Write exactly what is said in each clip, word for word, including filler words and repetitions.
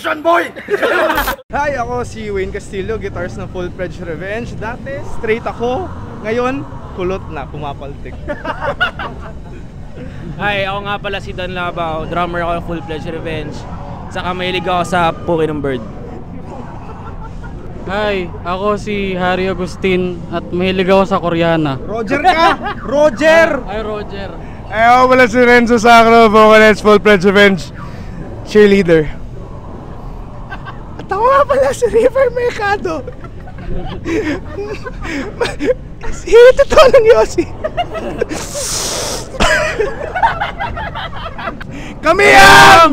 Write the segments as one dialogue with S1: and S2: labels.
S1: Action boy!
S2: Hi, ako si Wayne Castillo, guitarist ng Full Pledge Revenge. Dati, straight ako. Ngayon, kulot na, pumapaltik.
S3: Hi, ako nga pala si Dan Labao, drummer ako ng Full Pledge Revenge. Saka mahilig ako sa Puki ng Bird.
S4: Hi, ako si Harry Agustin at mahilig ako sa Koreana.
S2: Roger ka! Roger!
S4: Hi, Roger.
S5: Ay, ako pala si Renzo Sacro, vocalist, Full Pledge Revenge, cheerleader. At ako nga pala si River Mercado. Si totoo lang Yossi. Kami ang...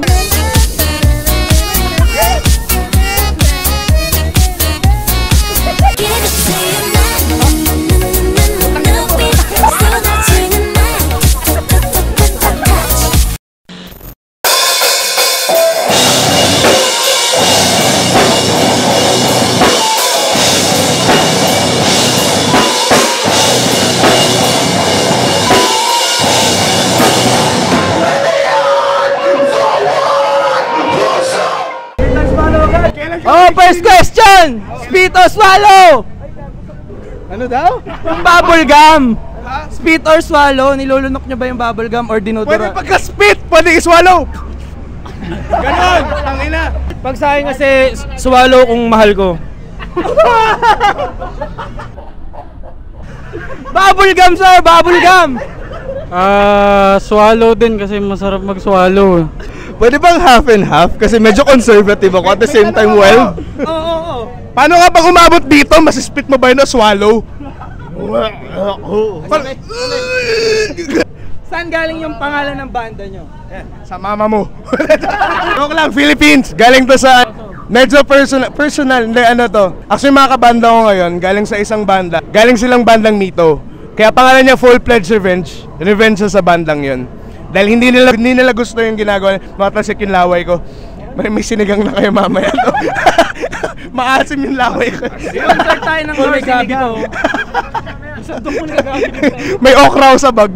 S3: Oh, first question! Spit or swallow?
S2: Ano daw?
S3: Yung bubble gum. Spit or swallow? Nilulunok nyo ba yung bubble gum or dinodora?
S5: Pwede pagka-spit, pwede i-swallow.
S2: Ganon! Tangina!
S3: Pag sa akin kasi, swallow kung mahal ko. Bubble gum, sir! Bubble gum!
S4: Ah, swallow din kasi masarap mag-swallow.
S5: Pwede bang half and half? Kasi medyo conservative ako at the same time well.
S3: Oo, oo, oo.
S5: Paano nga pag umabot dito, masispit mo ba yun na swallow?
S3: Saan galing yung pangalan ng banda nyo?
S5: Sa mama mo. Joke lang, Philippines. Galing to sa medyo personal, personal, hindi ano to. Actually mga kabanda ko ngayon, galing sa isang banda. Galing silang bandang Mito. Kaya pangalan niya Full Pledge Revenge. Revenge sa bandang yun. Dahil hindi nila hindi nila gusto yung ginagawa. Matasik yung laway ko. May, may sinigang na kayo mamaya to. Maasim yung laway ko.
S3: Concert tayo ng Lord Sinigaw.
S5: May okra sa bag.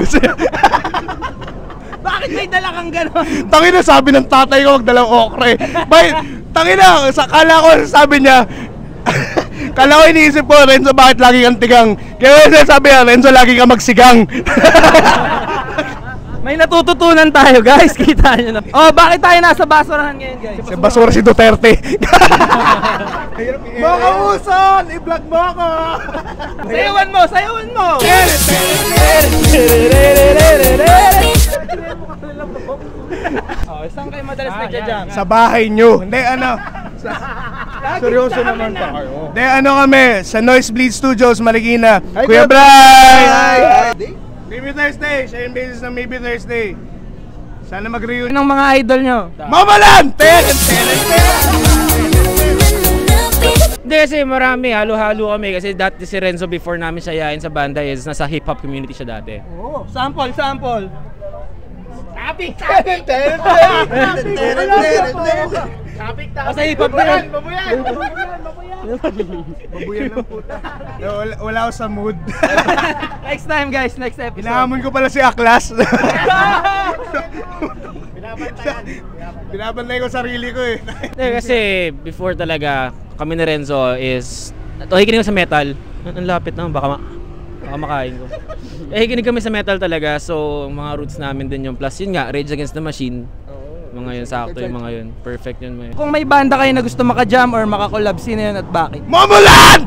S3: Bakit may dala kang gano'n?
S5: Tangina, sabi ng tatay ko magdalang okra eh. Bay, tangina, sa kala ko sabi niya. Kala ko iniisip ko, Renzo, bakit lagi kang tigang? Kaya sabi niya, Renzo, lagi kang magsigang.
S3: May natututunan tayo, guys. Kita nyo na. Oh, bakit tayo nasa basurahan ngayon, guys?
S5: Si basura si Duterte.
S2: Mga uson! I-vlog mo ako!
S3: Sayawan mo! Sayawan mo! Oh, saan kayo madalas nagja-jam?
S5: Sa bahay nyo. Hindi, ano. Sa... Seryoso naman pa kayo. Hindi, ano kami. Sa Noise Bleed Studios, Marikina. Kuya Bray! Hi! Maybe Thursday. Siya yung basis ng Maybe Thursday. Sana mag-reunion
S3: ng mga idol nyo.
S5: Mamalan! Ten! Ten!
S3: Hindi kasi marami, halo-halo kami kasi dati si Renzo before namin siya yain sa banda is nasa hip-hop community siya dati.
S2: Oh, sample, sample!
S3: Topic!
S2: Topic!
S3: Topic! Sa hip-hop na yun!
S2: Babuyan! Babuyan ng puta.
S5: Wala, wala ako sa mood.
S3: Next time guys, next episode.
S5: Hinahamon ko pala si Aklas. Binabantayan. Binabantay ko sarili ko eh.
S3: Kasi before talaga kami ni Renzo is nakikinig sa metal. Ang lapit naman, baka, ma baka makain ko. Eh, kinig kami sa metal talaga, so mga roots namin din yung plus yun nga, Rage Against the Machine. Mga yun, sakto yung mga yun. Perfect yun mo yun. Kung may banda kayo na gusto maka-jam or maka-collab, sino yun at bakit?
S5: Mamalan!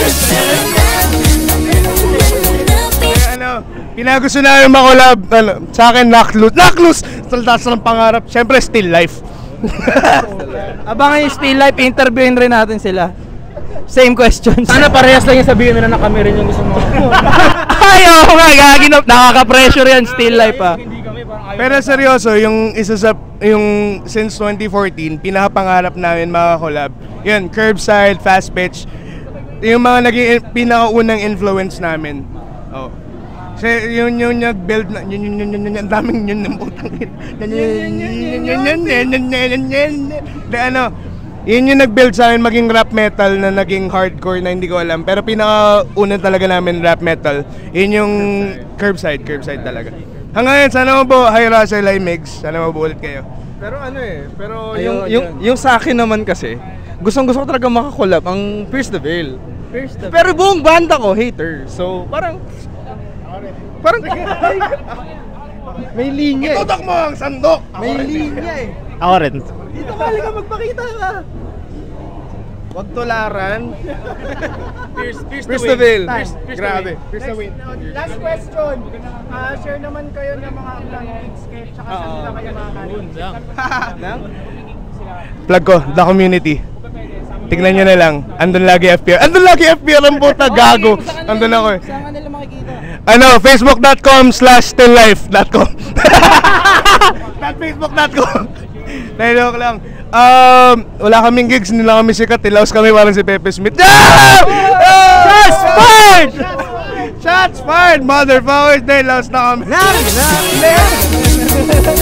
S5: Ano, pinagusto namin makolab, ano, sa akin, Knockloose. Knockloose! Taldas ng pangarap. Siyempre, Still Life.
S3: Abangan yung Still Life, interviewin rin natin sila. Same questions. Sana parehas lang yung sabihin nila na kami rin yung gusto mo. Ayaw nga, gaginap. Nakaka-pressure yan, Still Life ah.
S5: Pero seryoso, yung isa sa, yung since twenty fourteen, pinakapangarap namin makakolab. Yun, Curbside, Fast Pitch. Yung mga naging pinakaunang influence namin. Oh. Kasi yun yung nag-build na, yun yun yun yun yun, ang daming yun ng utang yun. Yun yun yun yun yun yun yun yun ano, yun yung nag-build sa amin maging rap metal na naging hardcore na hindi ko alam. Pero pinakauna talaga namin rap metal, yun yung Curbside, Curbside talaga. Hanggang ngayon, sana mo po, hi Russell, hi Migs, sana mabulit kayo.
S2: Pero ano eh, pero
S3: Ayun,
S2: yung, yung,
S3: yun.
S2: yung sa akin naman kasi, gustong gusto ko talaga makakolab ang Pierce the Veil.
S3: First of
S2: Pero buong banda ko, hater. So, parang... Parang... May linya eh.
S5: Tutok mo ang sandok!
S2: May linya eh.
S3: Ako rin.
S2: Dito ka, ka magpakita ka. Huwag tularan.
S3: Pierce,
S2: Pierce the Veil.
S3: Pierce, Pierce the
S2: Grabe.
S3: Veil.
S2: Pierce the Veil.
S1: Last question. Ah, share naman kayo ng mga upcoming sketch tsaka saan nila kayo makakalimutan.
S2: Nang?
S5: Plug ko, The Community. Tignan nyo na lang. Andun lagi F P R. Andun lagi F P R ang puta, gago. Andun ako eh.
S1: Saan ka nila makikita?
S5: Ano, facebook.com slash stilllife.com Not facebook.com Nailok lang. Um, wala kaming gigs, hindi lang kami sikat. Tilaos kami parang si Pepe Smith. Yeah! Shots fired! Shots fired, motherfuckers! Tilaos na kami.
S2: Nang! Nang!